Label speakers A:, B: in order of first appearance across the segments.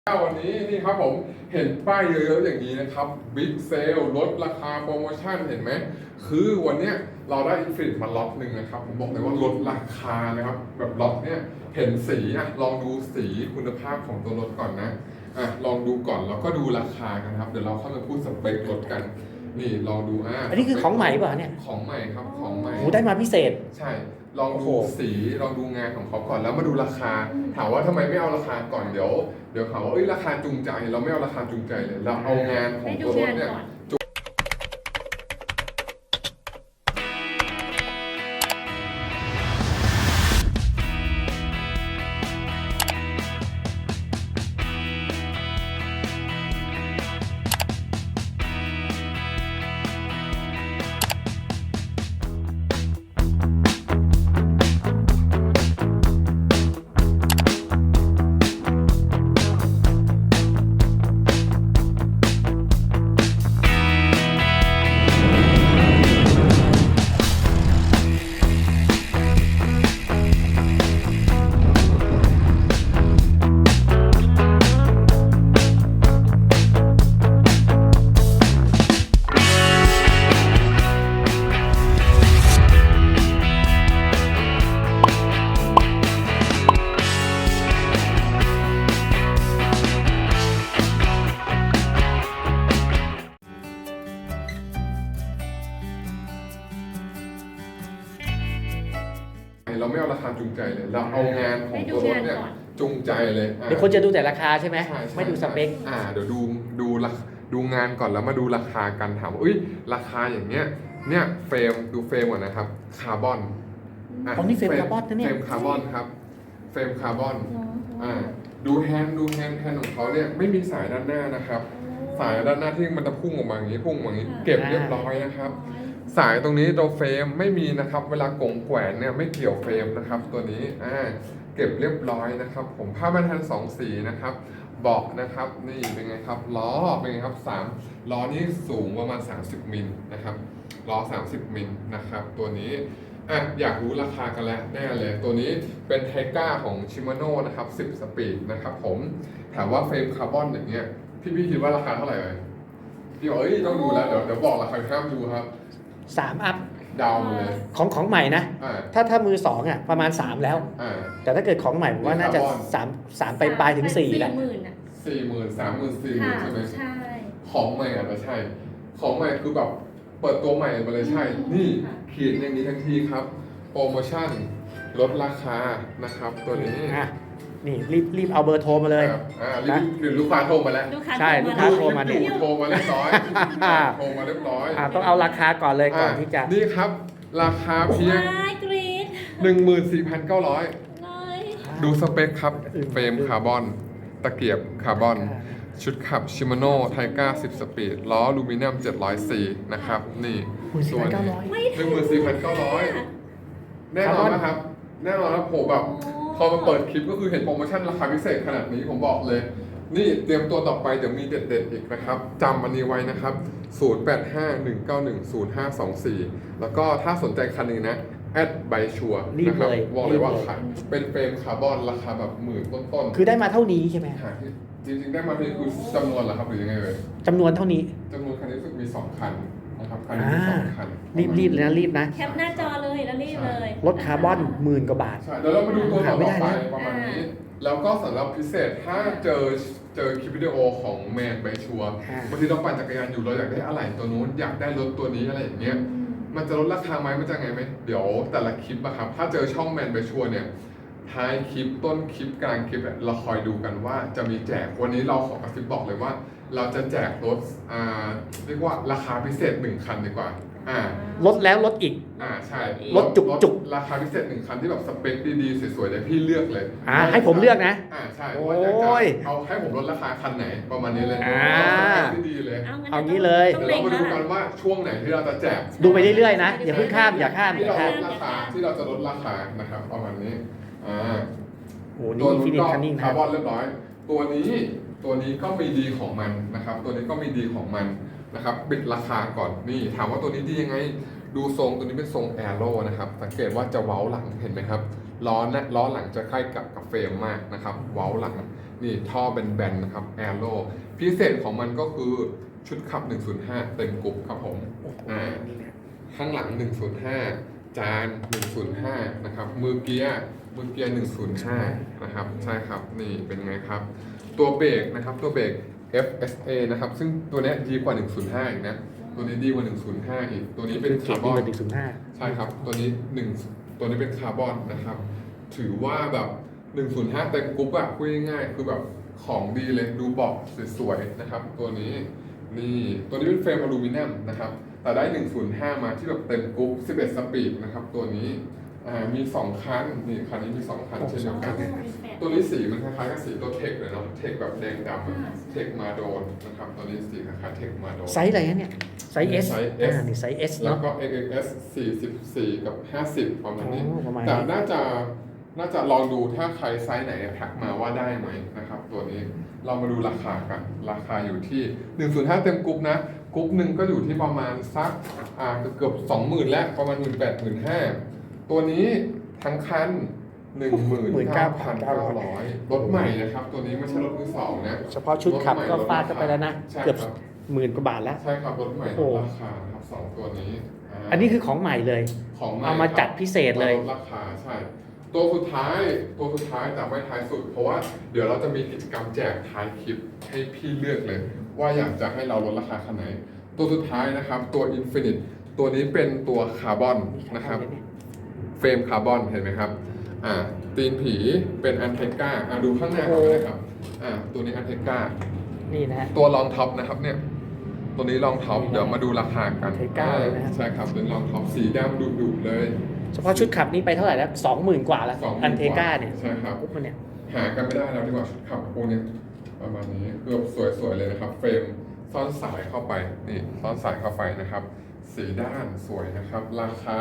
A: วันนี้นี่ครับผมเห็นป้ายเยอะๆอย่างนี้นะครับบิ๊กเซลลดราคาโปรโมชั่นเห็นไหมคือวันเนี้ยเราได้อินฟินิตมาล็อตหนึ่งนะครับผมบอกเลยว่าลดราคานะครับแบบล็อตเนี้ยเห็นสีอ่ะลองดูสีคุณภาพของตัวรถก่อนนะลองดูก่อนแล้วก็ดูราคากันครับเดี๋ยวเราเข้ามาพูดสเปครถกันนี่ลองดู
B: อันนี้คือของใหม่ป่ะเนี่ย
A: ของใหม่ครับของใหม่
B: โอ้ได้มาพิเศษ
A: ใช่ลองดูสีลองดูงานของเขาก่อนแล้วมาดูราคาถามว่าทำไมไม่เอาราคาก่อนเดี๋ยวเขาว่าราคาจูงใจเราไม่เอาราคาจูงใจเลยเราเอางานของตัวรถเนี่ยเราไม่เอาราคาจูงใจเลยเราเอางานของตัวรถเนี่ยจูงใจเลย
B: เดี๋ยวคนจะดูแต่ราคาใช่ไหมไม่ดูสเปค
A: เดี๋ยวดูงานก่อนแล้วมาดูราคากันถามว่าราคาอย่างเนี้ยเนี่ยเฟรมดูเฟรมก่อนนะครับคาร์บอน
B: นี่เฟรมคาร์บอนนะเนี่ย
A: เฟรมคาร์บอนครับเฟรมคาร์บอนดูแฮนด์ของเขาเนี่ยไม่มีสายด้านหน้านะครับสายด้านหน้าที่มันจะพุ่งออกมาอย่างนี้พุ่งอย่างนี้เก็บเรียบร้อยนะครับสายตรงนี้ตัวเฟรมไม่มีนะครับเวลากงแขวนเนี่ยไม่เกี่ยวเฟรมนะครับตัวนี้เก็บเรียบร้อยนะครับผมผ้าบรรทัด2 สีนะครับเบาะนะครับนี่เป็นไงครับล้อเป็นไงครับ3ล้อนี้สูงประมาณ30 มิลนะครับล้อ30 มิลนะครับตัวนี้อยากรู้ราคากันแล้วแน่เลยตัวนี้เป็นไทก้าของชิมาโน่นะครับ10 สปีดนะครับผมถามว่าเฟรมคาร์บอนอย่างเงี้ยพี่คิดว่าราคาเท่าไหร่เลยพี่บอกต้องดูแล้วเดี๋ยวบอกราคาห้ามดูครับ
B: 3 อัพ
A: ดาวเลย
B: ของใหม่นะถ้ามือ2ประมาณ3แล้วแต่ถ้าเกิดของใหม่ผมว่าน่าจะ3ไปปลายถึง4แล้ว
A: 40,000 30,000 40,000ใช่ไหมใช่ของใหม่อาจจะใช่ของใหม่คือแบบเปิดตัวใหม่มาเลยใช่นี่ขีดอย่างนี้ทั้งทีครับโปรโมชั่นลดราคานะครับตัวนี้
B: นี่รีบเอาเบอร์โทรมาเลย
A: หรือลูกค้าโทรมาแล้ว
B: ใช่ลูกค้าโทรมา
A: โทรมาเรียบร้อยโทรมาเรียบร้อย
B: ต้องเอาราคาก่อนเลยก่อนที่จะ
A: นี่ครับราคาเพียง 14,900 ดูสเปคครับเฟรมคาร์บอนตะเกียบคาร์บอนชุดขับชิมาโน่ไทก้า10 สปีดล้ออลูมิเนียม704นะครับนี่
B: ส่วน
A: 14,900แน่นอนนะครับแน่นอนนะผมแบบพอมาเปิดคลิปก็คือเห็นโปรโมชั่นราคาพิเศษขนาดนี้ผมบอกเลยนี่เตรียมตัวต่อไปเดี๋ยวมีเด็ดๆอีกนะครับจำอันนี้ไว้นะครับ0851910524แล้วก็ถ้าสนใจคันนี้นะแอดใบชัวนะครับบอกเลยว่าเป็นเฟรมคาร์บอนราคาแบบ10,000 ต้น
B: คือได้มาเท่านี้ใช่ไหม
A: จริงๆได้มาเท่านี้คือจำนวนเหรอครับหรือยังไงเลย
B: จำนวนเท่านี้
A: จำนวนคันนี้รู้สึกมี2 คันนะครับคันนี้มี2 คัน
B: รีบเลยนะรีบนะ
C: แคปหน้าจอเลยแล้วรีบเลย
B: รถคาร์บอน10,000 กว่าบาท
A: ใช่เดี๋ยวเรามาดูตัวต่อไปประมาณนี้แล้วก็สำหรับพิเศษถ้าเจอคลิปวิดีโอของแมนใบชัวบางทีเราปั่นจักรยานอยู่เราอยากได้อะไรตัวนู้นอยากได้รถตัวนี้อะไรอย่างเงี้ยมันจะลดราคาไหมมันจะไงไหมเดี๋ยวแต่ละคลิปอะครับถ้าเจอช่องแมนใบชัวเนี่ยท้ายคลิปต้นคลิปกลางคลิปเราคอยดูกันว่าจะมีแจกวันนี้เราขอกระซิบบอกเลยว่าเราจะแจกรถเรียกว่าราคาพิเศษ1 คันดีกว่า
B: ลดแล้วลดอีก
A: ใช่
B: ลดจุก
A: ราคาพิเศษ1 คันที่แบบสเปคดีๆสวยๆเดี๋ยวพี่เลือกเลย
B: ให้ผมเลือกนะ
A: ใช่ว่าอยากจะเอาให้ผมลดราคาคันไหนประมาณนี้เลยที่ดีเลย
B: เอางี้เลย
A: เดี๋ยวเรามาดูกันว่าช่วงไหนที่เราจะแจก
B: ดูไปเรื่อยๆนะอย่าเพิ่งข้ามอย่าข้าม
A: ที่เราลดราคาที่เราจะลดราคานะครับประมาณนี้
B: นี่ฟินิชคันนิ่ง
A: คาร์บอนเรียบร้อยตัวนี้ก็มีดีของมันนะครับตัวนี้ก็มีดีของมันนะครับปิดราคาก่อนนี่ถามว่าตัวนี้ดียังไงดูทรงตัวนี้เป็นทรงแอโร่นะครับสังเกตว่าจะเว้าหลังเห็นไหมครับล้อหลังจะใกล้กับเฟรมมากนะครับเว้าหลังนี่ท่อเป็นแบนๆนะครับแอโร่พิเศษของมันก็คือชุดขับ 105 เต็มกรุ๊ปครับผมข้างหลัง 105 จาน 105 นะครับมือเกียร์ 105 นะครับใช่ครับนี่เป็นไงครับ ตัวเบรกนะครับตัวเบรก FSA นะครับซึ่งตัวเนี้ยดีกว่า 105 อีกนะตัวนี้ดีกว่า 105 อีกตัวนี้เป็นคาร์บอน ใช่ครับตัวนี้เป็นคาร์บอนนะครับถือว่าแบบ 105 เต็มกรุ๊ปอะพูดง่ายๆคือแบบของดีเลยดูเบาะสวยๆนะครับตัวนี้นี่ตัวนี้เป็นเฟรมอลูมิเนียมนะครับแต่ได้ 105 มาที่แบบเต็มกรุ๊ป 11 สปีดนะครับตัวนี้มี 2 คันนี่คันนี้มี 2 คันเช่นเดียวกันตัวนี้สีมันคล้ายๆกับสีตัวเทคเลยเนาะเทคแบบแดงดำเทคมาโดนนะครับตัวนี้สีคล้ายๆเทคมาโดน
B: ไซส์อะไรนะเนี่ยไซส์ S นี่ไซส์ S
A: แล้ว
B: เนาะ
A: ก็ XXS 44 กับ 50 ประมาณนี้
B: ประมาณนี้
A: แต่น่าจะลองดูถ้าใครไซส์ไหนทักมาว่าได้ไหมนะครับตัวนี้เรามาดูราคากันราคาอยู่ที่ 105 เต็มกรุ๊ปนะกรุ๊ปหนึ่งก็อยู่ที่ประมาณสักเกือบ 20,000 แล้วประมาณ 18,500 ตัวนี้ทั้งคัน 19,900 รถใหม่นะครับตัวนี้ไม่ใช่รถมือสองนะ
B: เฉพาะชุดขับก็ฟาดเข้าไปแล้วนะ
A: ใช่
B: เกือบ
A: ครับ
B: 10,000 กว่าบาทแล้ว
A: ใช่ครับรถใหม่
B: โอ้
A: ล
B: โห
A: ดราคานะครับสองตัวนี้
B: อันนี้คือของใหม่เลย
A: ของให
B: เอามาจัดพิเศษเลย
A: ลดราคาใช่ตัวสุดท้ายแต่ไม่ท้ายสุด เพราะว่าเดี๋ยวเราจะมีกิจกรรมแจกท้ายคลิปให้พี่เลือกเลย ว่าอยากจะให้เราลดราคาคันไหน ตัวสุดท้ายนะครับตัว Infinite ตัวนี้เป็นตัวคาร์บอนนะครับเฟรมคาร์บอนเห็นไหมครับตีนผีเป็นอันเทก้าดูข้างหน้าก่อนเลยครับตัวนี้อันเทก้า
B: นี่นะฮะ
A: ตัวรองท็อปนะครับเนี่ยตัวนี้รองท็อปเดี๋ยวมาดูราคากัน
B: Anteca เลยนะฮะ
A: ใช่ครับเป็นรองท็อปสีดำดุๆเลย
B: เฉพาะชุดขับนี่ไปเท่าไหร่แล้ว 20,000 กว่าแล้ว
A: 20,000
B: อันเทก้าเนี่ย
A: ใช่ครับ
B: ปุ๊บมันเนี่ย
A: หากันไม่ได้แล้วดีกว่าชุดขับพวกนี้ประมาณนี้เกือบสวยๆเลยนะครับ เฟรมซ่อนสายเข้าไปนี่ซ่อนสายเข้าไปนะครับ สีด้านสวยนะครับ ราคา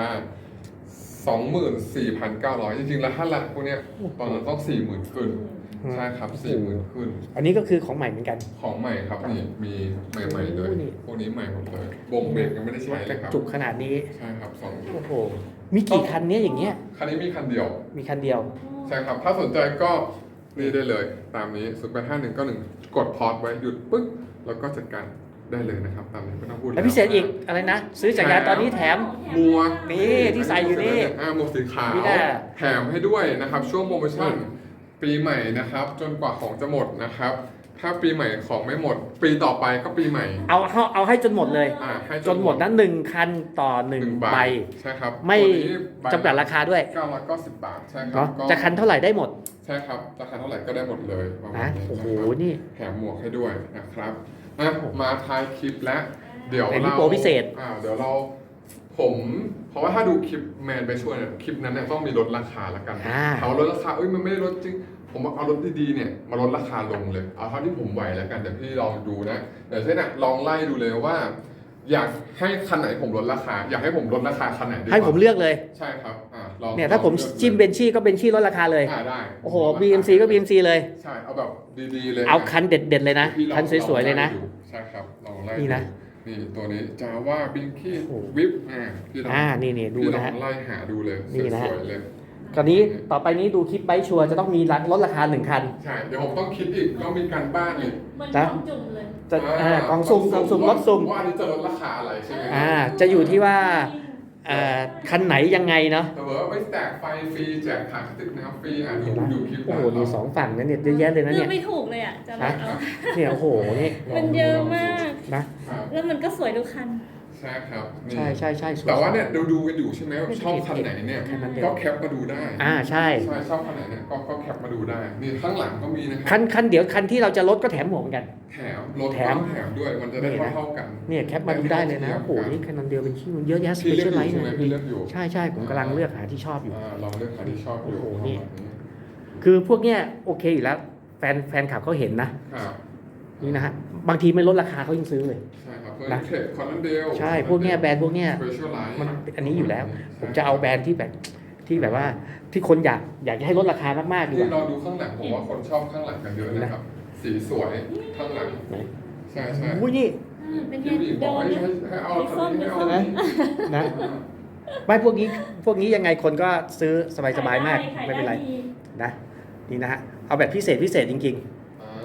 A: 24,900 จริงๆแล้วถ้าราคาพวกเนี้ยตอนนั้นต้อง 40,000 ขึ้นใช่ครับ 40,000 ขึ้น
B: อันนี้ก็คือของใหม่เหมือนกัน
A: ของใหม่ครับนี่มีใหม่ๆเลย
B: โอ้นี่
A: พวกนี้ใหม่หมดเลยบ่งเบรกยังไม่ได้ใช้เลยครับ
B: จุกขนาดนี้
A: ใช่ครับสองจุ
B: โอ้
A: ก
B: โห มีกี่คันเนี้ยอย่างเงี้ย
A: คันนี้มีคันเดียว
B: มีคันเดียว
A: ใช่ครับ ถ้าสนใจก็นี่ได้เลย ตามนี้085191กดพอสไว้หยุดปึ๊กแล้วก็จัดการได้เลยนะครับ ตามนี้ไม่ต้องพูด
B: แล้วพิเศษอีกอะไรนะ ซื้อจักรยานตอนนี้แถม
A: หมวก
B: นี่ที่ใส่อยู่นี่
A: หมวกสีขาว
B: นี่แหละ
A: แถมให้ด้วยนะครับช่วงโปรโมชั่นปีใหม่นะครับ จนกว่าของจะหมดนะครับ ถ้าปีใหม่ของไม่หมด ปีต่อไปก็ปีใหม่
B: เอาให้จนหมดเลย
A: ให้
B: จนหมดนั้น1 คันต่อ 1 ใบ
A: ใช่ครับ
B: ไม่
A: ตัวนี้ใบ
B: จำกัดราคาด้วย
A: 990 บาทใช่ครั
B: เนาะ
A: ก็
B: จะคันเท่าไหร่ได้หมด
A: ใช่ครับราคาเท่าไหร่ก็ได้หมดเลยประมาณ
B: นะ
A: นี้
B: โอ้โห
A: นะครับ
B: นี่
A: แถมหมวกให้ด้วยนะครับมาท้ายคลิปแล้วเดี๋ยว
B: อันนี้
A: เรา
B: โปรพิเศษ
A: เดี๋ยวเราเพราะว่าถ้าดูคลิปแมนไปช่วยเนี่ยคลิปนั้นเนี่ยต้องมีลดราคาแล้วกันเอาลดราคามันไม่ได้ลดจริงผมเอารถดีๆเนี่ยมาลดราคาลงเลยเอาเท่าที่ผมไหวแล้วกันเดี๋ยวพี่ลองดูนะเดี๋ยวเช่นลองไล่ดูเลยว่า อยากให้คันไหนผมลดราคา อยากให้ผมลดราคาคันไหนดีกว่า
B: ให้ผมเลือกเลย
A: ใช่ครับลอง
B: เนี่ยถ้าผม
A: ลองลือก
B: จิ้มเบนชี่ก็เบนชี่ลดราคาเลย
A: ได้
B: โอ้โห BMC ก็ BMC เลย
A: ใช่เอาแบบดีๆเลย
B: เอาคันเด็ดๆเลยนะ
A: พี่ลอง
B: คันสวยๆเลยนะ
A: องไดูใช่ครับลองไล่
B: นี่นะ
A: นี่ตัวนี้จาว่าบิงกี้
B: โอ้โห
A: วิปพี่ลอง
B: นี่ดู
A: พี่ลอ
B: นะฮะ
A: งไล่หาดูเลย
B: นี่นะ
A: ส
B: ฮะ
A: วยๆเลย
B: ตอนนี้ต่อไปนี้ดูคลิปไบค์ชัวร์จะต้องมีลดราคา1 คัน
A: ใช่เดี๋ยวผมต้องคิดอีกต้องมีการบ้านอีก
C: มัน
B: นะ
C: ของจุ่มเลย
B: จะกล่องสุ่มรถสุ่ม
A: ว่าอันนี้จะลดราคาอะไรใช่ไหม
B: จะอยู่ที่ว่าคันไหนยังไงเนาะ
A: แต่ว่าไม่แจกไฟฟรีแจกถังติ๊กน้ำฟรีดูคลิป
B: โอ้โหมี2 ฝั่งนะเนี่ยเยอะแยะเลยนะ
C: เลื
B: เนี่
C: อก
B: ย
C: ไม่ถูกเลยอ่ะจะแบบเอา
B: เนี่ยโอ้โหนี่
C: มันเยอะมาก
B: นะ
C: แล้วมันก็สวยทุกคัน
A: ใช่ครับนี่
B: ใช่สวย
A: แต่ว่าเนี่ยดูกันอยู่ใช่ไหมว่าชอบคันไหนเนี่ย
B: แค่นั้นเดียว
A: ก็แคปมาดูได้
B: ใช่
A: ใช่ชอบคันไหนเนี่ยก็แคปมาดูได้นี่ข้างหลังก็มีนะครั
B: คันเดี๋ยวคันที่เราจะลดก็แถมหมวกเหมือนกัน
A: แถมรถ
B: แถม
A: แถมด้วยมันจะได้เท่าๆกัน
B: เนี่ยแคปมาดูได้เลยนะโอ้โหนี่คันเดียวเป็นชื่อเยอะแยะส
A: พี่
B: เป
A: เลือ
B: เชี
A: ก
B: ยล
A: อ
B: ไล
A: ยู่
B: ท์
A: ใช่ไหม
B: เนี่ย
A: พี่เลือกอยู่
B: ใช่ผมกำลังเลือกหาที่ชอบอยู่
A: ลองเลือกคันที่ชอบอยู่
B: โอ้โห
A: ประมาณ
B: นี่ คือพวกเนี้ยโอเคอยู่แล้วแฟนขับเขาเห็นนะครับ นี่นะฮะบางทีไม่ลดราคาเขายังซื้อเลย
A: ใช่ครับ
B: นะ
A: เทคคอนเดล
B: ใช่พวกเนี้ยแบรนด์พวกเนี้ย
A: สเปเชียลไลท์
B: มันอันนี้อยู่แล้ว ผมจะเอาแบรนด์ที่แบบว่าที่คนอยากจะให้ลดราคามากๆดีก
A: ที่
B: ว่า
A: เราดูข้างหลังผมว่าคนชอบข้างหลังกันเยอะนะครับ สีสวยข้างหลัง
B: ไหน
A: ใช่
B: อุ้ยนี่
C: เป็นไง
A: พี่บีบ
C: โด
A: อก
C: น
A: ให้เอาคันนี้ให้เอา
B: ใช่ไหม นะไม่พวกนี้ยังไงคนก็ซื้อสบายๆมากไม่เป็นไรนะนี่นะฮะเอาแบบพิเศษจริง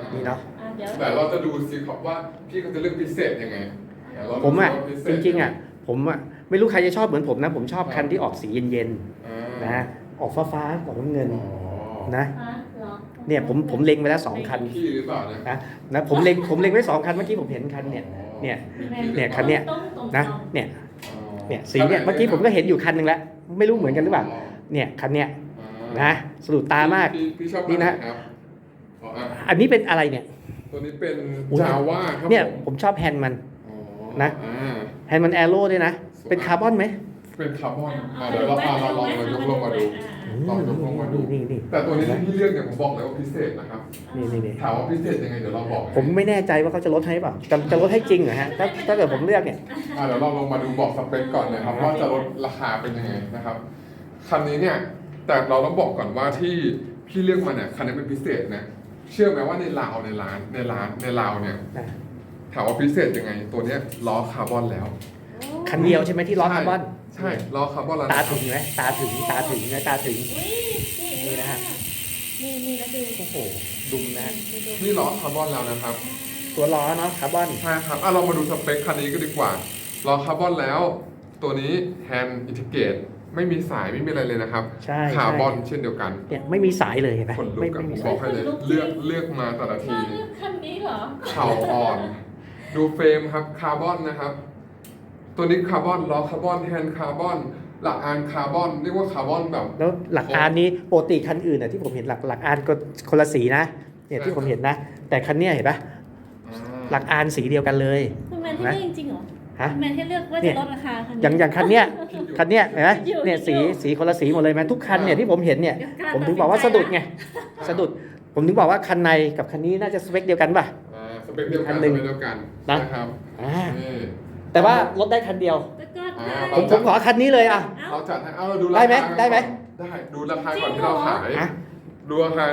B: นี่เนาะ
C: เดี๋ยว
A: แต่เราจะดูสิครับว่าพี่เขาจะเลือกพิเศษยังไงเดี๋ยวเรา
B: ผมอ่ะ
A: ดูว่าพิเศ
B: จ
A: ษ
B: ริงๆอ่ะผมอ่ะไม่รู้ใครจะชอบเหมือนผมนะ ผมชอบคันที่ออกสีเย็น
A: อ่า
B: ๆนะออกฟ้าๆออกน้ำเงิน
A: อ๋อ
B: นะ
C: เหรอ
B: เนี่ยผมเล็งไปแล้ว2 คัน
A: พี่หรือเปล่าเนี่ย
B: นะผมเล็งไว้2 คันเมื่อกี้ผมเห็นคันเนี่ย เนี่ย เนี่ยคันเนี้ย นะเนี่ยเนี่ยสีเนี่ยเมื่อกี้ผมก็เห็นอยู่คันหนึงแล้วไม่รู้เหมือนกันหรือเปล่าเนี่ยคันเนี้ยนะสะดุดตามาก
A: พี่ชอบ
B: นี่นะ
A: ครับอ๋ออ่ะ
B: อันนี้เป็นอะไรเนี่ย
A: ตัวนี้เป็น
B: อุ๊ย
A: จาว่าครับ
B: เนี่ย
A: ผม
B: ผมชอบแฮนด์มัน
A: อ๋อ
B: นะ
A: อ่า
B: แฮนด์มันแอโร่ด้วยนะ เป็นคาร์บอนไหม
A: เป็นคาร์บอนเดี๋ยวเราลองมายกลงมาดู ลองยกลงมาดู
B: นี่
A: แต่ตัวนี้ที่พี่เลือกเนี่ยผมบอกเลยว่าพิเศษนะครับ
B: นี่
A: ถามว่าพิเศษยังไงเดี๋ยวเราบอก
B: ผมไม่แน่ใจว่าเขาจะลดให้เปล่าจะลดให้จริงเหรอฮะถ้าเกิดผมเลือกเนี่ย
A: เดี๋ยวเราลงมาดูบอกสเปคก่อนนะครับว่าจะลดราคาเป็นยังไงนะครับคันนี้เนี่ยแต่เราต้องบอกก่อนว่าที่พี่เลือกมาเนี่ยคันนี้เป็นพิเศษนะเชื่อไหมว่าในลาวในลาวเนี่ย
B: นะ
A: ถามว่าพิเศษยังไง ตัวเนี้ยล้อคาร์บอนแล้ว
B: คันเดียวใช่ไหมที่ล้อคาร์บอน
A: ใช่ล้อคาร์บอนแล้ว
B: ตาถึงไหมตาถึงนะตาถึง
C: นี่นะฮะนี่แล้วดู
B: โอ้โหดุมนะฮะ
A: นี่ล้อคาร์บอนแล้วนะครับ
B: ตัวล้อเนาะคาร์บอน
A: ใช่ครับเรามาดูสเปคคันนี้ก็ดีกว่าล้อคาร์บอนแล้ว ตัวนี้แฮนด์อินทิเกรตไม่มีสายไม่มีอะไรเลยนะครับ
B: ใช่
A: คาร์บอนเช่นเดียวกัน
B: เนี่ยไม่มีสายเลยเห็นไหม
A: คนลุ
B: ไม่
A: กกับ
B: มี
A: ผมบ
B: สา
A: อย กให้เลยเลือกมาแต่ละที
C: เลือกคันนี้เหรอ
A: เข่าอ่อน ดูเฟรมครับคาร์บอนนะครับ ตัวนี้คาร์บอนล้อคาร์บอนแฮนด์คาร์บอนหลักอานคาร์บอนเรียกว่าคาร์บอนแบบ
B: แล้วหลักอานนี้ปกติคันอื่นน่ะที่ผมเห็นหลักอานก็คนละสีนะเนี่ยที่ผมเห็นนะ แต่คันเนี้ยเห็นปะหลักอานสีเดียวกันเลย
C: คุณแมนให้เลือกจริงๆเหรอ
B: ฮะ
C: คุณแมนให้เลือกว่าจะลดราคาคันนี้
B: อย่างคันเนี้ยเห็นไหมเนี่ยสีคนละสีหมดเลยไหมทุกคันเนี่ยที่ผมเห็นเนี่ย
C: เดี๋ยวกล้า
B: ผมถึงบอกว่าสะดุดไงสะดุดผมถึงบอกว่าคันในกับคันนี้น่าจะสเปคเดียวกันป่ะ
A: สเปคเดียวกัน
B: อัน
A: ส
B: หนึ่ง
A: เปคเดียวกัน
B: นะ
A: นะครับ
B: อ่า
A: นี่
B: แต่ว่ารถได้คันเดียว
C: แล้วก็
B: ผมขอคันนี้เลยอ่ะ
A: เราจัดให้เราดูรา
B: ได้
A: คา
B: ไหมได้ไหม
A: ได้ดูราคาก่อนที่เราขาย
B: อ่ะ
A: ดูราคา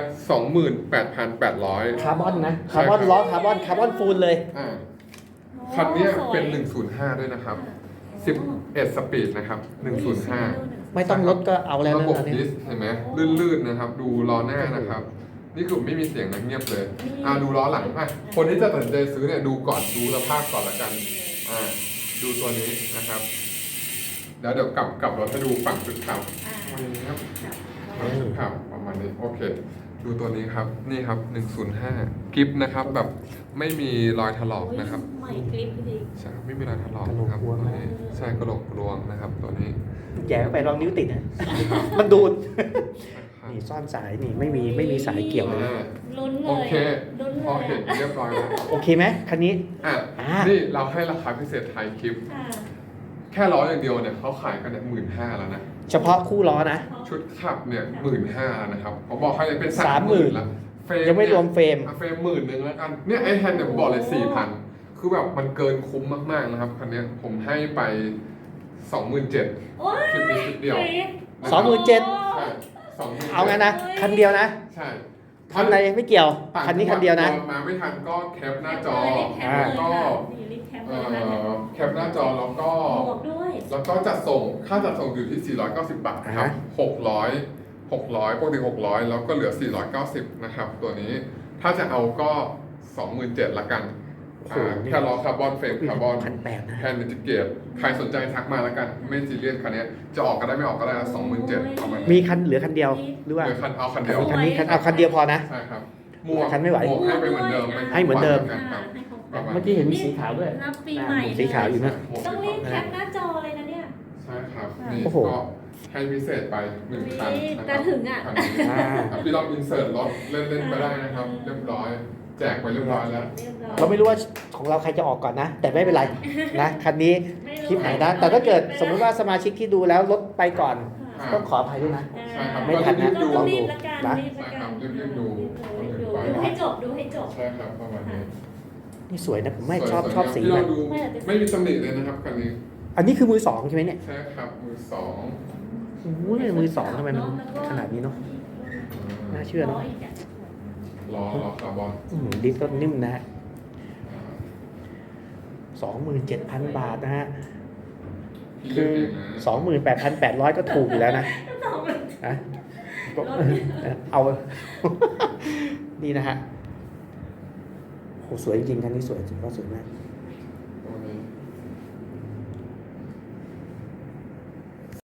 A: 28,800
B: คาร์บอนนะคาร์บอนล้อคาร์บอนฟูลเลย
A: อ่าคันเนี้ยเป็น 105 ด้วยนะครับ 11 สปีดนะครับ 105
B: ไม่ต้องลดก็เอาแล้ว
A: ระ
B: นะ
A: บบ
B: อัน
A: ดิ
B: นี้
A: สเห็นไหมลื่นๆนะครับ ดูล้อหน้านะครับ นี่คือไม่มีเสียงนะเงียบเลย ดูล้อหลังอ่ะคนที่จะตัดสินใจซื้อเนี่ยดูก่อนดูสภาพก่อนละกันดูตัวนี้นะครับเดี๋ยวกลับรถให้ดูฝั่งจุดขับนี่ครับฝั่งจุดขับประมาณนี้โอเค ดูตัวนี้ครับนี่ครับ 105กิฟนะครับแบบไม่มีรอยถลอกนะครับ
C: ใหม่กริปจริง
A: ใช่ไม่มีรอยถลอกนะครับตัวนี้ใช่กระโหลกรวงนะครับตัวนี้
B: แย่เข้าไปลองนิ้วติดนะ
A: ครับ
B: มันดูด
A: ครับ
B: นี่ซ่อนสายนี่ไม่มีสายเกี่ยวเลย
C: ลุ้นเลย
A: โอเค
C: ลุ้น
A: พอ
C: เลย
A: เห็นเรียบร้อยแล้ว
B: โอเคไหมคันนี้
A: อ่ะ
B: อ่า
A: นี่เราให้ราคาพิเศษไทยคลิป
C: ค่ะ
A: แค่ล้ออย่างเดียวเนี่ยเขาขายกันเนี่ย15,000แล้วนะ
B: เฉพาะคู่ล้อนะ
A: ชุดขับเนี่ย15,000แล้วนะครับผมบอกให้เลยเป็น
B: 30,000
A: 30,000แล้วเฟรม
B: ยังไม่รวมเฟรม
A: เฟรม10,000แล้วกันเนี่ยไอแฮนด์เนี่ยผมบอกเลย4,000คือแบบมันเกินคุ้มมากๆนะครับคันเนี้ยผมให้ไป 27,000
C: โอ้ย
A: คลิปนี้คลิปเดียว
B: 27,000
A: ใช่20,000
B: เอางั้นนะคันเดียวนะ
A: ใช่
B: คันในไม่เกี่ยวคันนี้คันเดียวนะ
A: มาไม่ทันก็แคปหน้าจอ
C: แล้ว
A: แล้วก็
C: รีบแคป
A: เอ่
C: เลยนะ
A: อแคปหน้าจอแล้วก็
C: บวกด้วย
A: แล้วก็จัดส่งค่าจัดส่งอยู่ที่ 490 บาทนะครับ 600 ปกติ 600 แล้วก็เหลือ 490 นะครับ ตัวนี้ ถ้าจะเอาก็ 27,000ละกัน
B: โอ้โหนี่
A: แค่ล้อคาร์บอนเฟรมคาร์บอน
B: 1,800นะ
A: แฮนด์อินทิเกรตใครสนใจทักมาละกัน ไม่ซีเรียสคันนี้จะออกก็ได้ไม่ออกก็ได้นะ27,000ประมาณ
B: มี
A: นี้
B: คันเหลือคันเดียวหรือว่า
A: เดี๋ยวคันเอาคันเดียว
B: คันนี้เอาคันเดียวพอนะ
A: ใช่ครับหมวก
B: คันไม่ไหว
A: หมวกให้ไปเหมือนเดิม
B: ให้เหมือนเดิม
A: ครับ ประมาณ
B: เมื่อกี้เห็นมีสีขาวด้วย
C: รับปีใหม่
B: สีขาวอยู่นะ
C: ต้องรีบแคปหน้าจอเลยนะเนี่ย
A: ใช่ครับนี่
B: โอ้โห
A: ก็ให้พิเศษไป1คันนะค
C: แต่
A: รับ
C: ถึงอ่ะ
A: คันนี้
B: อ่า
A: ครับพี่ลองอินเสิร์ตรถเล่นๆไปได้นะครับ เรียบร้อย แจกไปเรียบร้อยแล้ว
C: เรียบร้อย
B: เราไม่รู้ว่าของเราใครจะออกก่อนนะ แต่ไม่เป็นไรนะคันนี้คลิปไหนนะแต่ถ้าเกิดสมมุติว่าสมาชิกที่ดูแล้วลดไปก่อน
A: อ่า
B: ต้องขออภัยด้วยนะ
A: ใช่ครับ
B: ไม่ทันนะ
A: ดู
C: ต้องรีบละกัน
B: นะ
C: รีบละกัน
A: ใช่ครับรีบๆดู
C: ดูให้จบดูให้จบ
A: ใช่ครับประมาณนี้
B: นี่สวยนะผมไม่
A: สวย
B: ชอบ
A: ๆ
B: สี
A: ที่
B: มั
A: เรา
B: น
A: ดูไม่มีตำหนิเลยนะครับคันนี้
B: อันนี้คือมือสองใช่ไหมเนี่ย
A: ใช่ครับมือสอง
B: โอ้โหมือสองทำไมมันขนาดนี้เนาะน่าเชื่อเนาะ
A: ล้อคาร์บอน
B: ดิสก็นิ่มนะฮะ 27,000 บาทนะฮะ คือ 28,800 ก็ถูกอยู่แล้วนะนะก็เอา นี่นะฮะสวยจริงคันนี้สวยจริงว่าสวยมาก